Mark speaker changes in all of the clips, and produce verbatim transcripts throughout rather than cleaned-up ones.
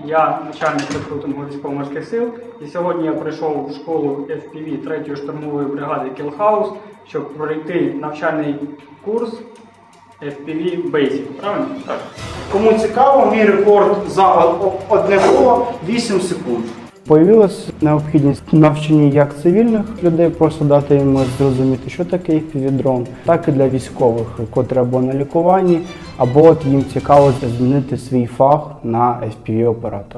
Speaker 1: я начальник рекрутингу військово-морських сил, і сьогодні я прийшов в школу еф пі ві третьої штурмової бригади Кілхаус, щоб пройти навчальний курс еф пі ві Basic, правильно?
Speaker 2: Так.
Speaker 3: Кому цікаво, мій рекорд за одне коло вісім секунд.
Speaker 4: Появилась необхідність навчання як цивільних людей, просто дати їм зрозуміти, що таке еф пі ві-дрон, так і для військових, котрі або на лікуванні, або от їм цікаво змінити свій фах на еф пі ві-оператора.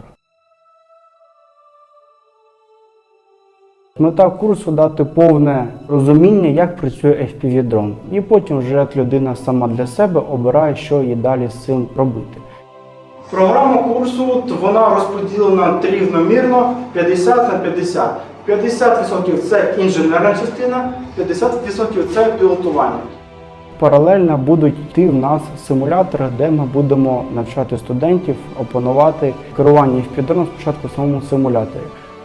Speaker 4: Мета курсу – дати повне розуміння, як працює еф пі ві-дрон. І потім вже людина сама для себе обирає, що їй далі з цим робити.
Speaker 3: Програма курсу вона розподілена рівномірно п'ятдесят на п'ятдесят. п'ятдесят відсотків це інженерна частина, п'ятдесят відсотків це пілотування.
Speaker 4: Паралельно будуть йти в нас симулятори, де ми будемо навчати студентів опанувати керування еф пі ві-дроном спочатку в самому симуляторі.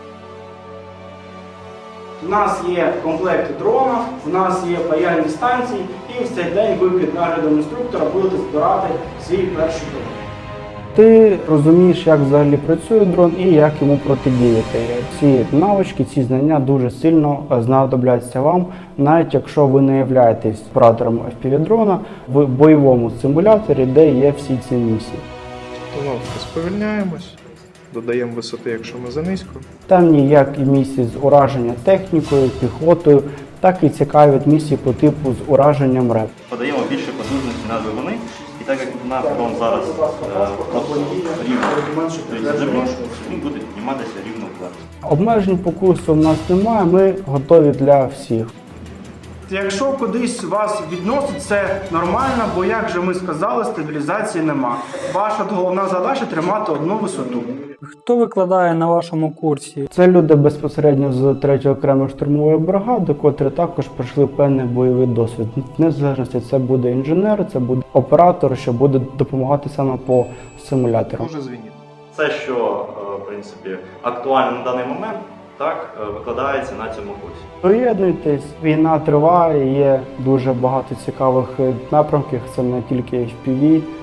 Speaker 3: У нас є комплекти дрона, у нас є паяльні станції, і в цей день ви під наглядом інструктора будете збирати свій перший дрон.
Speaker 4: Ти розумієш, як взагалі працює дрон і як йому протидіяти. Ці навички, ці знання дуже сильно знадобляться вам, навіть якщо ви не являєтесь оператором еф пі ві-дрона в бойовому симуляторі, де є всі ці місії.
Speaker 2: Установку сповільняємось, додаємо висоти, якщо ми занизько.
Speaker 4: Там є як і місії з ураження технікою, піхотою, так і цікаві місії по типу з ураженням реп.
Speaker 5: Подаємо більше потужності на двигуни, і так як наш дрон зараз е, просто рівно стоїть землю, він буде підніматися рівно вверх.
Speaker 4: Обмежень по курсу в нас немає, ми готові для всіх.
Speaker 3: Якщо кудись вас відносить, це нормально, бо, як же ми сказали, стабілізації нема. Ваша головна задача – тримати одну висоту.
Speaker 1: Хто викладає на вашому курсі?
Speaker 4: Це люди безпосередньо з третьої окремої штурмової бригади, котрі також пройшли певний бойовий досвід. Незалежності це буде інженер, це буде оператор, що буде допомагати саме по симулятору.
Speaker 2: Може звінити.
Speaker 5: Все, що е, в принципі актуально на даний момент, так е, викладається на цьому курсі.
Speaker 4: Приєднуйтесь, війна триває, є дуже багато цікавих напрямків, це не тільки еф пі ві.